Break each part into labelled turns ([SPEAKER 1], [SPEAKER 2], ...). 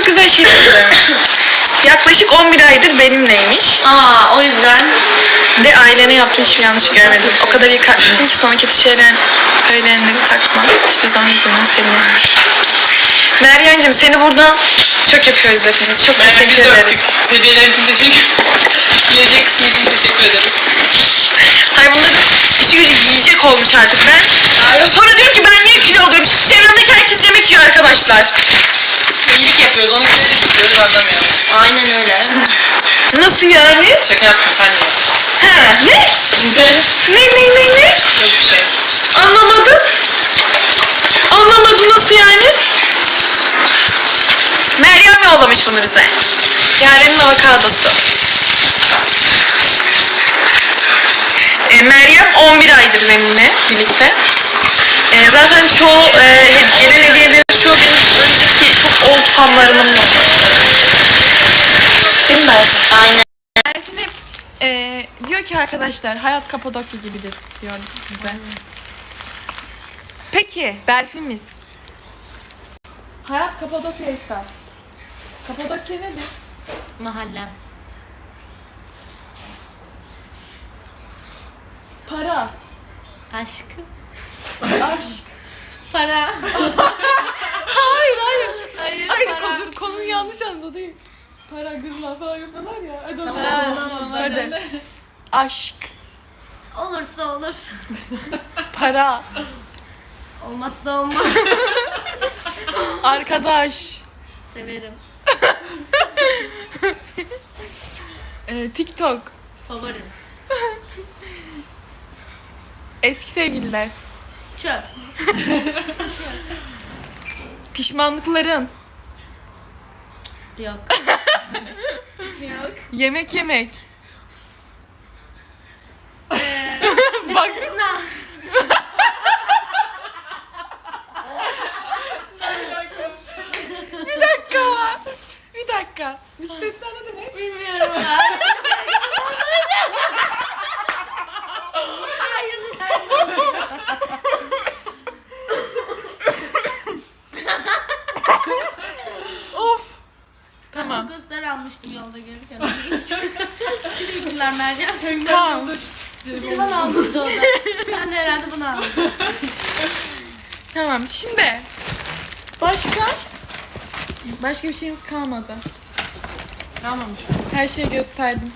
[SPEAKER 1] çok güzel şeyler söylemiş. Yaklaşık 11 aydır benimleymiş.
[SPEAKER 2] O yüzden.
[SPEAKER 1] Ve ailene yaptığın hiçbir yanlış görmedim. O kadar iyi kalplisin ki sana kötü şeyler söyleyenleri takma. Hiçbir zaman üzülme, seviyorum. Meryem'cim seni buradan çok yapıyoruz hepimiz. Çok teşekkür ederiz.
[SPEAKER 3] Hediyeler için teşekkür Yiyecek kısmı için teşekkür ederiz.
[SPEAKER 1] Hayır bunları işi gücü yiyecek olmuş artık. Ben sonra diyorum ki ben niye kilo alıyorum? Çünkü çevremdeki herkes yemek yiyor arkadaşlar.
[SPEAKER 3] İyilik yapıyoruz, onu küçük istiyoruz, anlamıyor.
[SPEAKER 2] Aynen öyle.
[SPEAKER 1] Nasıl yani?
[SPEAKER 3] Şaka yaptım, sen de.
[SPEAKER 1] Ha ne? Ne?
[SPEAKER 3] Yok bir şey.
[SPEAKER 1] Anlamadım. Anlamadım nasıl yani? Meryem yollamış bunu bize. Yaren'in avokadosu. Meryem 11 aydır benimle birlikte. Zaten çoğu gelen hediyelerin çoğu benim önceki çok old fanlarımın yollaması. Değil mi Berfin?
[SPEAKER 2] Aynen.
[SPEAKER 1] Berfin hep diyor ki arkadaşlar hayat Kapadokya gibidir diyor bize. Peki Berfin'imiz. Hayat Kapadokya ister. Kapadokya nedir?
[SPEAKER 2] Mahallem.
[SPEAKER 1] Para.
[SPEAKER 2] Aşk.
[SPEAKER 1] Aşk.
[SPEAKER 2] Para.
[SPEAKER 1] Hayır.
[SPEAKER 2] Hayır para.
[SPEAKER 1] Konuyu yanlış anladı değil. Para, gırla falan yapıyorlar ya. Hadi
[SPEAKER 2] Tamam,
[SPEAKER 1] hadi. Aşk.
[SPEAKER 2] Olursa olur.
[SPEAKER 1] Para.
[SPEAKER 2] Olmazsa olmaz.
[SPEAKER 1] Arkadaş.
[SPEAKER 2] Severim.
[SPEAKER 1] TikTok.
[SPEAKER 2] Favorim.
[SPEAKER 1] Eski sevgililer.
[SPEAKER 2] Çöp.
[SPEAKER 1] Pişmanlıkların.
[SPEAKER 2] Yok. Yok.
[SPEAKER 1] Yemek yemek.
[SPEAKER 2] Bak.
[SPEAKER 1] Bir dakika. Müstesna ne demek?
[SPEAKER 2] Bilmiyorum ya.
[SPEAKER 1] Of.
[SPEAKER 2] Tamam. Göster almıştım yolda gelirken. Teşekkürler Meryem.
[SPEAKER 1] Tamam.
[SPEAKER 2] Civan almıştı o da. Ben de herhalde bunu aldım.
[SPEAKER 1] Tamam şimdi. Başka bir şeyimiz kalmadı.
[SPEAKER 3] Kalmamış.
[SPEAKER 1] Her şeyi gösterdim.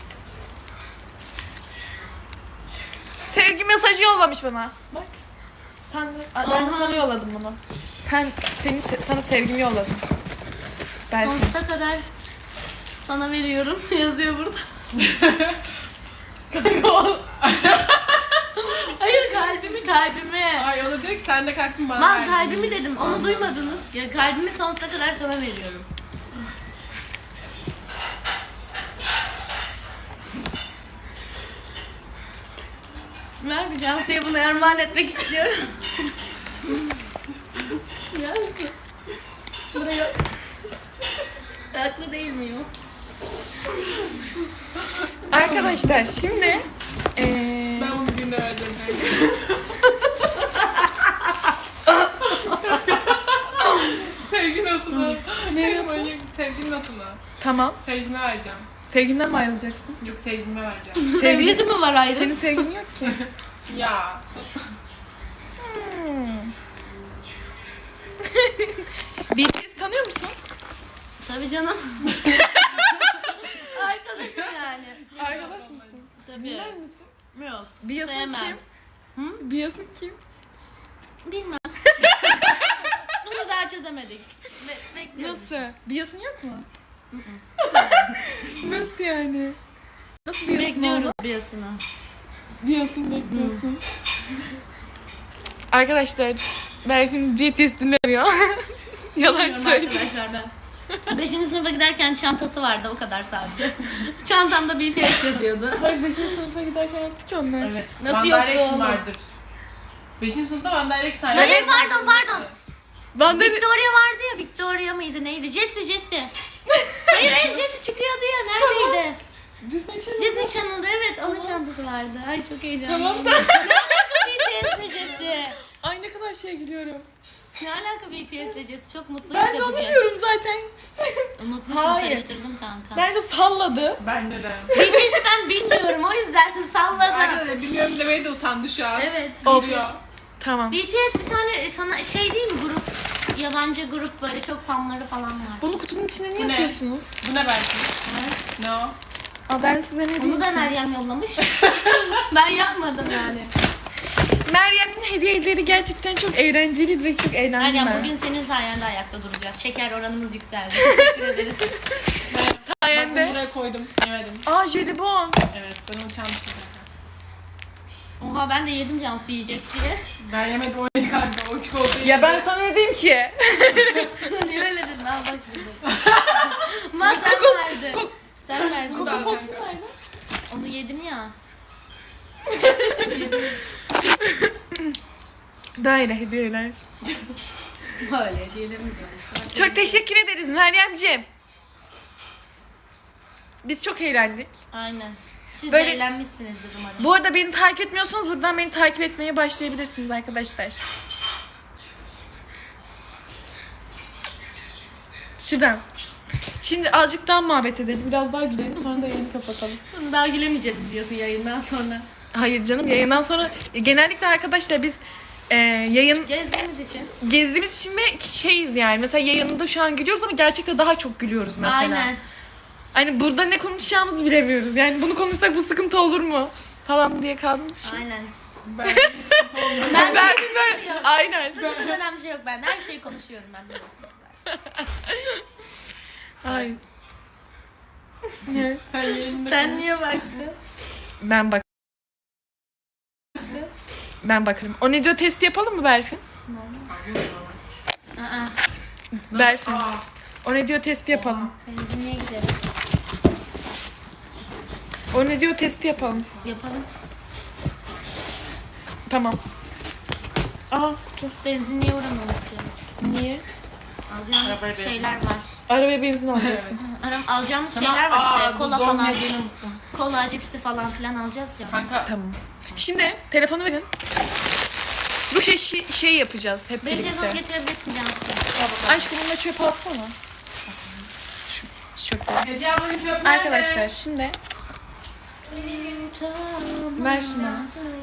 [SPEAKER 1] Sevgi mesajı yollamış bana. Bak. Ben de sana yolladım bunu. Sana sevgimi yolladım. Belki.
[SPEAKER 2] Sonsuza kadar sana veriyorum. Yazıyor burada. Hayır kalbimi.
[SPEAKER 3] Ay o da diyor ki sen de kaç gün bana
[SPEAKER 2] Ben
[SPEAKER 3] verdin.
[SPEAKER 2] kalbimi dedim. Onu duymadınız. Ya kalbimi sonsuza kadar sana veriyorum. Ver bir Cansu'ya bunu armağan etmek istiyorum. Cansu. Buraya. Haklı değil miyim?
[SPEAKER 1] Arkadaşlar şimdi
[SPEAKER 3] Ben bunu bir günde vereceğim. Sevgi notunu.
[SPEAKER 1] Ne notu?
[SPEAKER 3] Sevgi notunu.
[SPEAKER 1] Tamam.
[SPEAKER 3] Sevgime vereceğim.
[SPEAKER 1] Sevginden mi ayrılacaksın?
[SPEAKER 3] Yok sevgime vereceğim.
[SPEAKER 2] Sevgisi mi var ayrı?
[SPEAKER 1] Senin sevgin yok ki.
[SPEAKER 3] Ya.
[SPEAKER 1] BTS tanıyor musun?
[SPEAKER 2] Tabii canım. Arkadaşım yani.
[SPEAKER 1] Arkadaş mısın?
[SPEAKER 2] Tabii.
[SPEAKER 1] Bilir misin?
[SPEAKER 2] Yok.
[SPEAKER 1] Biyasın
[SPEAKER 2] Sevmem.
[SPEAKER 1] kim? Biyasın kim?
[SPEAKER 2] Bilmem. Bunu daha çözemedik. Bekliyoruz.
[SPEAKER 1] Nasıl? Biyasın yok mu? Nasıl yani? Nasıl biyasın
[SPEAKER 2] Bekliyoruz
[SPEAKER 1] olmaz?
[SPEAKER 2] biyasını.
[SPEAKER 1] Biyasın bekliyorsun. Arkadaşlar Berfin BTS dinlemiyor. Yalan
[SPEAKER 2] Bilmiyorum
[SPEAKER 1] söylüyor.
[SPEAKER 2] arkadaşlar ben. 5. sınıfa giderken çantası vardı o kadar sadece. Çantamda BTS yazıyordu.
[SPEAKER 1] Hayır 5. sınıfa giderken yaptık ki onlar.
[SPEAKER 3] Evet.
[SPEAKER 2] Nasıl
[SPEAKER 3] One
[SPEAKER 2] yoktu
[SPEAKER 3] Direction
[SPEAKER 2] oğlum?
[SPEAKER 3] vardır. 5. sınıfta One Direction
[SPEAKER 2] Hayır pardon.
[SPEAKER 1] Ben de
[SPEAKER 2] Victoria vardı ya, Victoria mıydı neydi? Jessie. Hayır Jessie çıkıyordu ya, neredeydi?
[SPEAKER 1] Disney Channel.
[SPEAKER 2] Disney Channel'da evet, onun çantası vardı. Ay çok heyecanlıyım.
[SPEAKER 1] Tamam da.
[SPEAKER 2] Ne alaka BTS'le Jessie?
[SPEAKER 1] Ay ne kadar şey gülüyorum.
[SPEAKER 2] Ne alaka BTS'le Jess? Çok mutluyuz
[SPEAKER 4] Ben
[SPEAKER 2] ya
[SPEAKER 4] de onu
[SPEAKER 2] bugün.
[SPEAKER 4] diyorum zaten.
[SPEAKER 2] Unutmuşum,
[SPEAKER 4] Hayır.
[SPEAKER 2] karıştırdım kanka.
[SPEAKER 4] Bence salladı.
[SPEAKER 3] Bence de.
[SPEAKER 2] BTS'i ben bilmiyorum, o yüzden salladım.
[SPEAKER 3] Bence de bilmiyorum demeye de utandı şu an.
[SPEAKER 2] Evet.
[SPEAKER 3] Biliyor.
[SPEAKER 4] Tamam.
[SPEAKER 2] BTS bir tane sana şey değil mi, grup, yabancı grup, böyle çok fanları falan var.
[SPEAKER 4] Bunu kutunun içine niye
[SPEAKER 3] Bu ne?
[SPEAKER 4] atıyorsunuz?
[SPEAKER 3] Bu ne belki? Ne o?
[SPEAKER 4] Aa, ben size ne diyeyim?
[SPEAKER 2] Onu da Meryem yollamış. Ben yapmadım yani.
[SPEAKER 4] Meryem'in hediyeleri gerçekten çok eğlenceliydi ve çok eğlendim
[SPEAKER 2] Meryem,
[SPEAKER 4] ben.
[SPEAKER 2] bugün senin sayende ayakta duracağız. Şeker oranımız yükseldi. Teşekkür ederiz.
[SPEAKER 4] Sayende.
[SPEAKER 3] Bak buraya koydum. Yemedim.
[SPEAKER 4] Aa, jelibon.
[SPEAKER 3] Evet ben onu çalmıştım.
[SPEAKER 2] Oha, ben de yedim, Cansu yiyecek diye.
[SPEAKER 3] Ben yemedim o yedi kanka. O çikolatayı.
[SPEAKER 4] Ya ben sana ne diyeyim ki?
[SPEAKER 2] Niye öyle dedin? Al bak dedim. Ma sen verdin. Sen verdin.
[SPEAKER 3] Coco Fox
[SPEAKER 2] Onu yedim ya.
[SPEAKER 4] Böyle hediyeler.
[SPEAKER 2] Böyle diyelim böyle.
[SPEAKER 4] Çok teşekkür ederiz Meryemciğim. Biz çok eğlendik.
[SPEAKER 2] Aynen. Siz
[SPEAKER 4] Böyle-
[SPEAKER 2] de eğlenmişsinizdir umarım.
[SPEAKER 4] Bu arada beni takip etmiyorsanız buradan beni takip etmeye başlayabilirsiniz arkadaşlar. Şuradan. Şimdi azıcık daha muhabbet edelim. Biraz daha gülelim. Sonra da yayını kapatalım.
[SPEAKER 2] Daha gülemeyeceğiz diyorsun yayından sonra.
[SPEAKER 4] Hayır canım, yayından sonra genellikle arkadaşlar biz yayın
[SPEAKER 2] Gezdiğimiz için.
[SPEAKER 4] gezdiğimiz için ve şeyiz yani. Mesela yayında şu an gülüyoruz ama gerçekten daha çok gülüyoruz mesela.
[SPEAKER 2] Aynen.
[SPEAKER 4] Hani burada ne konuşacağımızı bilemiyoruz. Yani bunu konuşsak bu sıkıntı olur mu? Falan diye kaldığımız için.
[SPEAKER 2] Aynen.
[SPEAKER 3] Ben
[SPEAKER 4] Berfin aynen.
[SPEAKER 2] Sıkıntı denen bir şey yok ben. Her şeyi konuşuyorum ben, biliyorsunuz zaten.
[SPEAKER 4] Ay.
[SPEAKER 3] sen yayında.
[SPEAKER 2] Sen niye baktın?
[SPEAKER 4] Ben bakarım. O ne diyor, testi yapalım mı Berfin?
[SPEAKER 2] Aa,
[SPEAKER 4] Berfin. O ne diyor, testi yapalım.
[SPEAKER 2] benzinliğe gidelim.
[SPEAKER 4] O ne diyor, testi yapalım.
[SPEAKER 2] Yapalım.
[SPEAKER 4] Tamam. Aa, dur.
[SPEAKER 2] Benzinliğe uğramamız gerekiyor.
[SPEAKER 4] Niye?
[SPEAKER 2] Alacağımız şeyler var.
[SPEAKER 4] Arabaya benzin alacaksın.
[SPEAKER 2] Alacağımız şeyler var işte. Kola falan.
[SPEAKER 3] Yediğini unuttum.
[SPEAKER 2] Kola, cipsi falan filan alacağız ya.
[SPEAKER 3] Kanka.
[SPEAKER 4] Tamam. Şimdi telefonu verin. Bu şey yapacağız hep
[SPEAKER 2] Benim telefonu
[SPEAKER 4] birlikte.
[SPEAKER 2] getirebilirsin Cansu.
[SPEAKER 4] Aşkım bunu da çöpe atsana. Şu çöpe.
[SPEAKER 3] Hediye ablanın çöp nerede?
[SPEAKER 4] Arkadaşlar şimdi ver şimdi bana.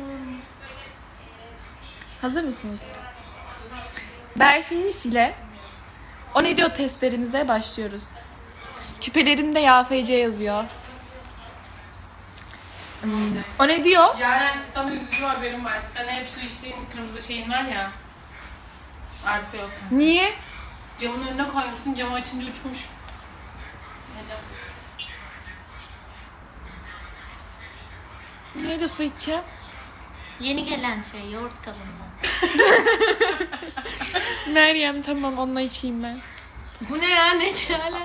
[SPEAKER 4] Hazır mısınız? Berfin'imiz ile O Ne Diyor testlerimize başlıyoruz. Küpelerimde YFC yazıyor. O ne diyor?
[SPEAKER 3] Yaren sana üzücü haberim var. Hani hep su içtiğin kırmızı şeyin var ya. Artık yok.
[SPEAKER 4] Niye?
[SPEAKER 3] Camın önüne koymuşsun, camı açınca uçmuş. Neden?
[SPEAKER 4] Neydi su içeceğim?
[SPEAKER 2] Yeni gelen şey, yoğurt kabında.
[SPEAKER 4] Meryem, tamam, onunla içeyim ben.
[SPEAKER 2] Bu ne ya, ne çare?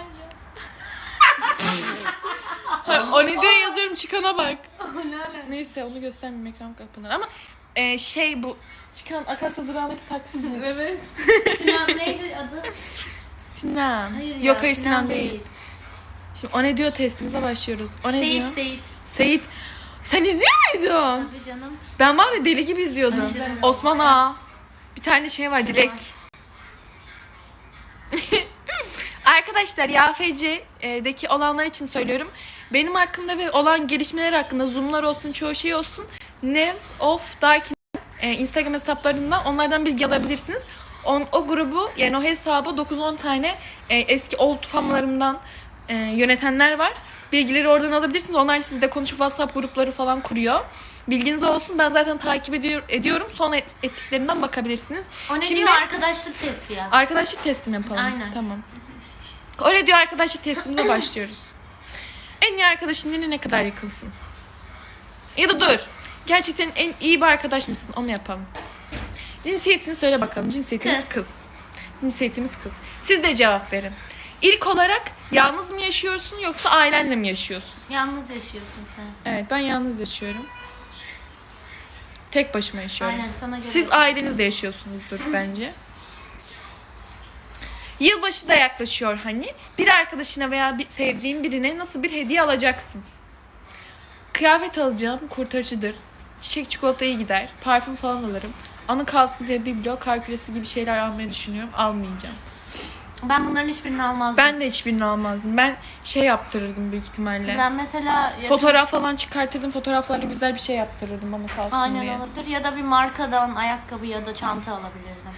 [SPEAKER 4] O ne diyor yazıyorum, çıkana bak. Neyse, onu göstermeyeyim, ekran kapanır ama şey bu çıkan Akasya durağındaki taksici.
[SPEAKER 2] Evet. Sinan neydi adı?
[SPEAKER 4] Sinan.
[SPEAKER 2] Hayır ya,
[SPEAKER 4] Yok hayır, Sinan değil.
[SPEAKER 2] değil.
[SPEAKER 4] Şimdi O Ne Diyor testimize başlıyoruz. O ne diyor?
[SPEAKER 2] Seyit.
[SPEAKER 4] Seyit. Sen izliyor muydun?
[SPEAKER 2] Tabii canım.
[SPEAKER 4] Ben var ya deli gibi izliyordum.
[SPEAKER 2] Aşırı.
[SPEAKER 4] Osman Ağa. Bir tane şey var, Dilek. Arkadaşlar YFC'deki olanlar için söylüyorum. Benim hakkımda ve olan gelişmeler hakkında zoomlar olsun, çoğu şey olsun. Nevs of Darkin Instagram hesaplarından onlardan bilgi alabilirsiniz. O grubu, yani o hesabı 9-10 tane eski old fanlarımdan yönetenler var. Bilgileri oradan alabilirsiniz. Onlar sizle konuşup WhatsApp grupları falan kuruyor. Bilginiz olsun. Ben zaten takip ediyorum. Sonra ettiklerinden bakabilirsiniz.
[SPEAKER 2] O ne
[SPEAKER 4] Şimdi
[SPEAKER 2] diyor? Arkadaşlık testi yaz.
[SPEAKER 4] arkadaşlık testim yapalım.
[SPEAKER 2] Aynen.
[SPEAKER 4] Tamam. O ne diyor, arkadaşlık testimize başlıyoruz. En iyi arkadaşın yine ne kadar yakınsın? Ya da dur. Gerçekten en iyi bir arkadaş mısın? Onu yapalım. Cinsiyetini söyle bakalım. Cinsiyetimiz kız. Cinsiyetimiz kız. Siz de cevap verin. İlk olarak yalnız mı yaşıyorsun yoksa ailenle mi yaşıyorsun?
[SPEAKER 2] Yalnız yaşıyorsun sen.
[SPEAKER 4] Evet, ben yalnız yaşıyorum. Tek başıma yaşıyorum.
[SPEAKER 2] Aynen, sana göre.
[SPEAKER 4] Siz ailenizle yaşıyorsunuzdur bence. Yılbaşı da yaklaşıyor hani. Bir arkadaşına veya sevdiğin birine nasıl bir hediye alacaksın? Kıyafet alacağım, kurtarıcıdır. Çiçek çikolata iyi gider. Parfüm falan alırım. Anı kalsın diye biblo, kar küresi gibi şeyler almayı düşünüyorum. Almayacağım.
[SPEAKER 2] Ben bunların hiçbirini almazdım.
[SPEAKER 4] Ben de hiçbirini almazdım. Ben şey yaptırırdım büyük ihtimalle.
[SPEAKER 2] Ben mesela
[SPEAKER 4] Fotoğraf falan çıkartırdım. Fotoğraflarla güzel bir şey yaptırırdım anı kalsın
[SPEAKER 2] aynen
[SPEAKER 4] diye.
[SPEAKER 2] olabilir ya da bir markadan ayakkabı ya da çanta alabilirdim.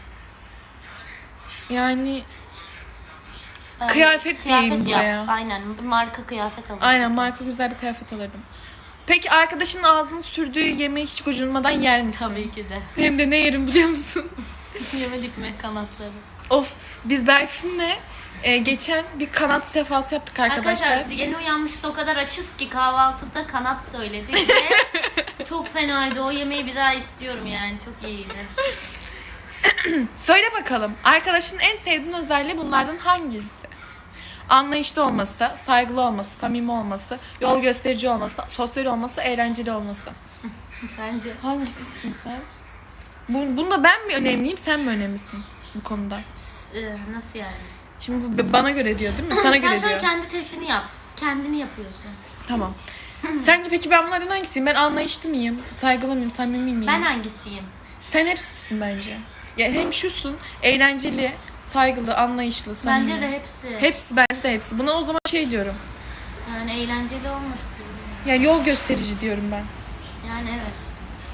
[SPEAKER 4] Yani
[SPEAKER 2] Ben
[SPEAKER 4] Kıyafet diyeyim
[SPEAKER 2] yap.
[SPEAKER 4] buraya.
[SPEAKER 2] Aynen bir marka kıyafet alırdım.
[SPEAKER 4] aynen marka güzel bir kıyafet alırdım. Peki arkadaşın ağzının sürdüğü yemeği hiç gocunmadan yer misin?
[SPEAKER 2] Tabii ki de.
[SPEAKER 4] Hem de ne yerim biliyor musun?
[SPEAKER 2] Yemedik mi kanatları?
[SPEAKER 4] Of, biz Berfin'le geçen bir kanat sefası yaptık arkadaşlar.
[SPEAKER 2] Yeni uyanmışız o kadar açız ki kahvaltıda kanat söyledik ve çok fenaydı. O yemeği bir daha istiyorum yani. Çok iyiydi.
[SPEAKER 4] Söyle bakalım, arkadaşın en sevdiğin özelliği bunlardan hangisi? Anlayışlı olması, saygılı olması, samimi olması, yol gösterici olması, sosyal olması, eğlenceli olması.
[SPEAKER 2] Sence?
[SPEAKER 4] Hangisisin sen? Bunda ben mi önemliyim, sen mi önemlisin bu konuda?
[SPEAKER 2] Nasıl yani?
[SPEAKER 4] Şimdi bu bana göre diyor değil mi? Sana
[SPEAKER 2] Sen
[SPEAKER 4] göre
[SPEAKER 2] şu an
[SPEAKER 4] diyor.
[SPEAKER 2] kendi testini yap. Kendini yapıyorsun.
[SPEAKER 4] Tamam. Sence peki ben bunlardan hangisiyim? Ben anlayışlı mıyım? Saygılı mıyım? Samimi miyim?
[SPEAKER 2] Ben hangisiyim?
[SPEAKER 4] Sen hepsisin bence. Ya hem şusun, eğlenceli, saygılı, anlayışlı, samimi.
[SPEAKER 2] Bence de hepsi.
[SPEAKER 4] Hepsi, bence de hepsi. Buna o zaman şey diyorum.
[SPEAKER 2] Yani eğlenceli olması.
[SPEAKER 4] Yani yol gösterici diyorum ben.
[SPEAKER 2] Yani evet.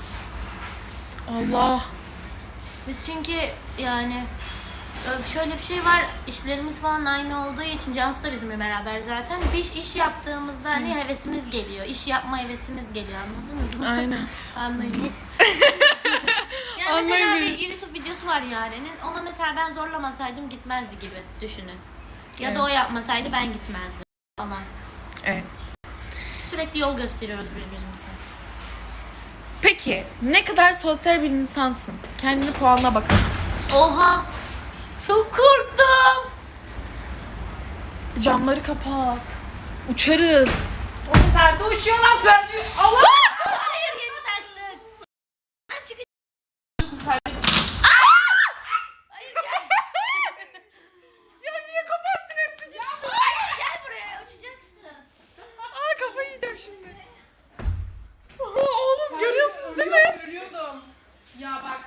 [SPEAKER 4] Allah.
[SPEAKER 2] Biz çünkü yani şöyle bir şey var, işlerimiz falan aynı olduğu için Cansu da bizimle beraber zaten. Bir iş yaptığımızda hani hevesimiz geliyor. İş yapma hevesimiz geliyor, anladınız mı?
[SPEAKER 4] Aynen.
[SPEAKER 2] Anlayın. Yani mesela
[SPEAKER 4] Anlayın.
[SPEAKER 2] bir YouTube videosu var Yaren'in. Ona mesela ben zorlamasaydım gitmezdi gibi düşünün. Ya
[SPEAKER 4] Evet.
[SPEAKER 2] da o yapmasaydı ben gitmezdim falan.
[SPEAKER 4] Evet.
[SPEAKER 2] Sürekli yol gösteriyoruz birbirimize.
[SPEAKER 4] Peki, ne kadar sosyal bir insansın? Kendini puanla bakalım.
[SPEAKER 2] Oha! Çok korktum.
[SPEAKER 4] Camları kapat. Uçarız.
[SPEAKER 3] Oğlum perde uçuyor lan perde. Allah!
[SPEAKER 2] Hayır yeni taktık. Çık.
[SPEAKER 4] Ya niye kapattın hepsi gitti?
[SPEAKER 2] Hayır gel buraya uçacaksın.
[SPEAKER 4] Aa, kafayı yiyeceğim şimdi. Oğlum görüyorsunuz değil mi?
[SPEAKER 3] Ölüyordum. Ya bak.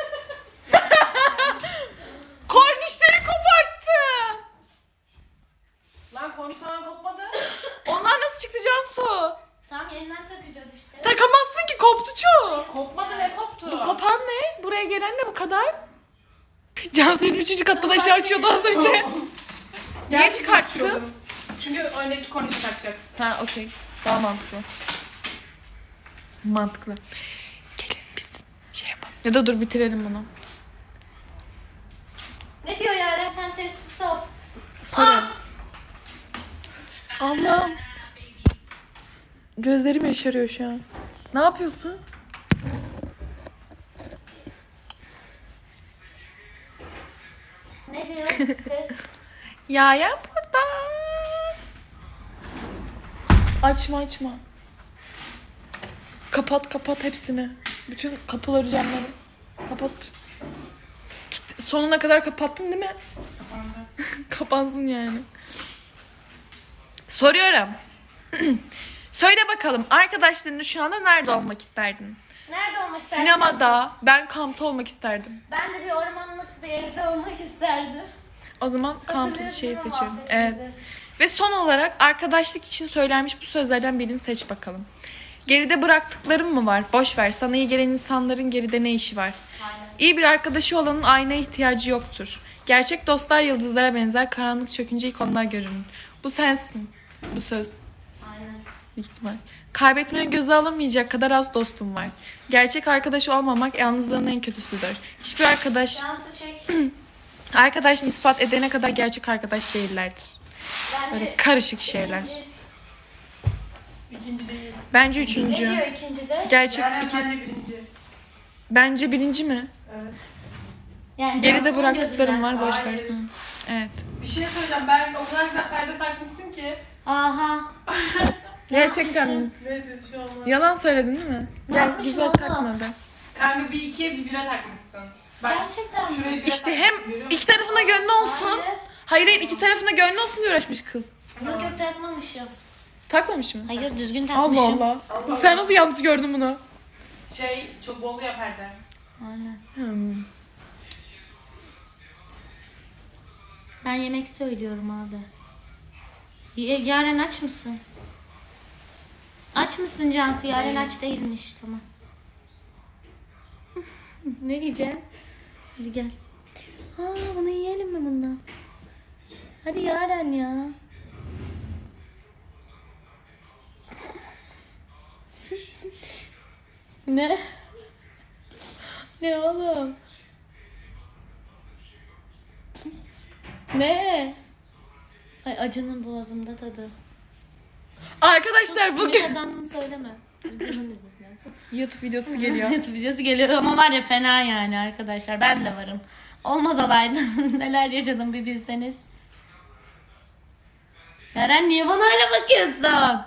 [SPEAKER 4] Kornişleri koparttı.
[SPEAKER 3] Lan konuş falan kopmadı.
[SPEAKER 4] Onlar nasıl çıktı Cansu?
[SPEAKER 2] Tamam yeniden takacağız işte.
[SPEAKER 4] Takamazsın ki, koptu çoğu.
[SPEAKER 3] Kopmadı ne koptu?
[SPEAKER 4] Bu kopan ne? Buraya gelen ne bu kadar? Cansu'nun 3. kattan aşağı açıyordu az önce. Niye çıkarttı?
[SPEAKER 3] Çünkü öndeki konuşu takacak.
[SPEAKER 4] Ha, okey. Daha mantıklı. Mantıklı. Gelin biz şey yapalım. Ya da dur bitirelim bunu.
[SPEAKER 2] Ne diyor Yaren sen testi sor.
[SPEAKER 4] Sorayım. Allah'ım. Gözlerim yaşarıyor şu an. Ne yapıyorsun?
[SPEAKER 2] Ne diyor? Test.
[SPEAKER 4] Ya burada. Açma. Kapat hepsini. Bütün kapıları, camları. Kapat. Sonuna kadar kapattın değil mi? Kapansın yani. Soruyorum. Söyle bakalım, arkadaşlarınla şu anda nerede olmak isterdin?
[SPEAKER 2] Nerede olmak isterdin?
[SPEAKER 4] Sinemada. Ben kampta olmak isterdim.
[SPEAKER 2] Ben de bir ormanlık bir yerde olmak isterdim.
[SPEAKER 4] O zaman kamp
[SPEAKER 2] Hatırlıyorsun
[SPEAKER 4] şeyi
[SPEAKER 2] değil mi
[SPEAKER 4] seçiyorum.
[SPEAKER 2] muhabbetimizi?
[SPEAKER 4] Evet. Ve son olarak arkadaşlık için söylenmiş bu sözlerden birini seç bakalım. Geride bıraktıklarım mı var? Boş ver. Sana iyi gelen insanların geride ne işi var?
[SPEAKER 2] Aynen.
[SPEAKER 4] İyi bir arkadaşı olanın aynaya ihtiyacı yoktur. Gerçek dostlar yıldızlara benzer. Karanlık çökünce ilk onlar görünür. Bu sensin. Bu söz.
[SPEAKER 2] Aynen.
[SPEAKER 4] Büyük ihtimal. Kaybetmeni göze alamayacak kadar az dostum var. Gerçek arkadaş olmamak yalnızlığın en kötüsüdür. Hiçbir
[SPEAKER 2] Cansu çek.
[SPEAKER 4] arkadaş ispat edene kadar gerçek arkadaş değillerdir.
[SPEAKER 2] Ben
[SPEAKER 4] Böyle
[SPEAKER 2] de
[SPEAKER 4] karışık şeyler.
[SPEAKER 3] İkinci değil.
[SPEAKER 4] Bence
[SPEAKER 2] Ne
[SPEAKER 4] üçüncü.
[SPEAKER 2] diyor ikincide?
[SPEAKER 4] Gerçek
[SPEAKER 3] Yani
[SPEAKER 4] iki.
[SPEAKER 3] bence birinci.
[SPEAKER 4] Bence birinci mi?
[SPEAKER 3] Evet.
[SPEAKER 2] Yani
[SPEAKER 4] Geride
[SPEAKER 2] Cansu'nun
[SPEAKER 4] bıraktıklarım var,
[SPEAKER 2] gözünden
[SPEAKER 4] boş
[SPEAKER 3] Hayır.
[SPEAKER 4] versin. Evet.
[SPEAKER 3] Bir şey söyleyeceğim. Ben o kadar güzel perde takmışsın ki.
[SPEAKER 2] Aha.
[SPEAKER 4] Gerçekten.
[SPEAKER 3] Neyse bir şey olmaz.
[SPEAKER 4] Yalan söyledin değil mi? Gel
[SPEAKER 2] Yapmış
[SPEAKER 4] güzel
[SPEAKER 2] valla.
[SPEAKER 4] takmadı.
[SPEAKER 3] Kanka bir ikiye bir bire takmışsın. Bak
[SPEAKER 2] Gerçekten mi?
[SPEAKER 3] şurayı bire
[SPEAKER 4] İşte
[SPEAKER 3] takmışsın,
[SPEAKER 4] hem
[SPEAKER 3] görüyor
[SPEAKER 4] iki
[SPEAKER 3] musun?
[SPEAKER 4] tarafına gönlü olsun.
[SPEAKER 2] Hayır.
[SPEAKER 4] Hayır iki tarafına gönlü olsun diye uğraşmış kız.
[SPEAKER 2] Yok yok takmamışım.
[SPEAKER 4] Takmamış mı?
[SPEAKER 2] Hayır düzgün
[SPEAKER 4] Allah
[SPEAKER 2] takmışım.
[SPEAKER 4] Allah. Sen nasıl yalnız gördün bunu?
[SPEAKER 3] Şey çok bol ya perde.
[SPEAKER 2] Aynen.
[SPEAKER 4] Hmm.
[SPEAKER 2] Ben yemek söylüyorum abi. Yaren aç mısın? Aç mısın Cansu? Yaren aç değilmiş. Tamam. Ne yiyeceksin? Hadi gel. Bunu yiyelim mi bundan? Hadi Yaren ya. Ne? Ne oğlum? Ne? Ay acının boğazımda tadı.
[SPEAKER 4] Arkadaşlar
[SPEAKER 2] Bugün
[SPEAKER 4] bugün
[SPEAKER 2] kazandığını söyleme. Videonun necesine.
[SPEAKER 4] YouTube videosu geliyor.
[SPEAKER 2] YouTube videosu geliyor ama var ya fena yani arkadaşlar. Ben de varım. Olmaz olaydım. Neler yaşadım bir bilseniz. Yaren niye bana öyle bakıyorsun?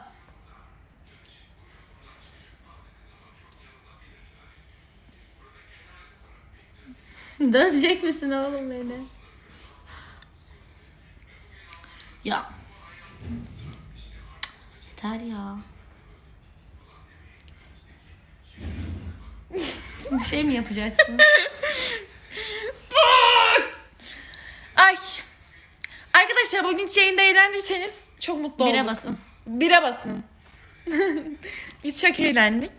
[SPEAKER 2] Dövecek misin oğlum beni? Ya. Yeter ya. Bir şey mi yapacaksın?
[SPEAKER 4] Ay. Arkadaşlar bugünkü yayında eğlendiyseniz çok mutlu oldum.
[SPEAKER 2] Bire basın.
[SPEAKER 4] Bire basın. Biz çok eğlendik.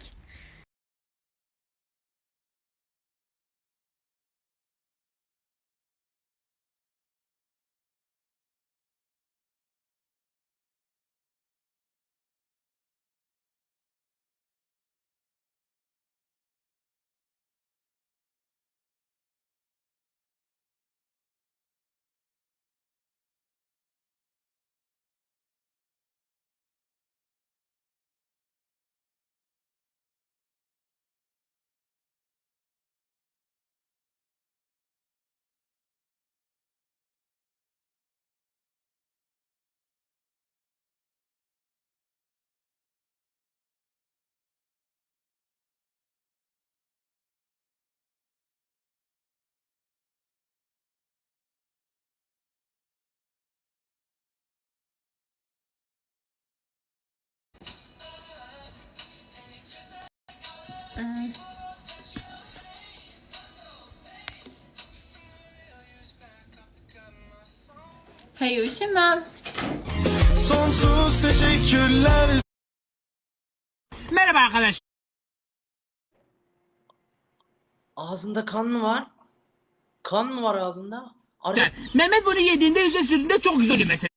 [SPEAKER 2] Hayır üşümem.
[SPEAKER 5] Sonsuz teşekkürler.
[SPEAKER 6] Merhaba arkadaş.
[SPEAKER 7] Ağzında kan mı var? Kan mı var ağzında?
[SPEAKER 6] Mehmet bunu yediğinde yüzde sürdüğünde çok güzel oluyor mesela.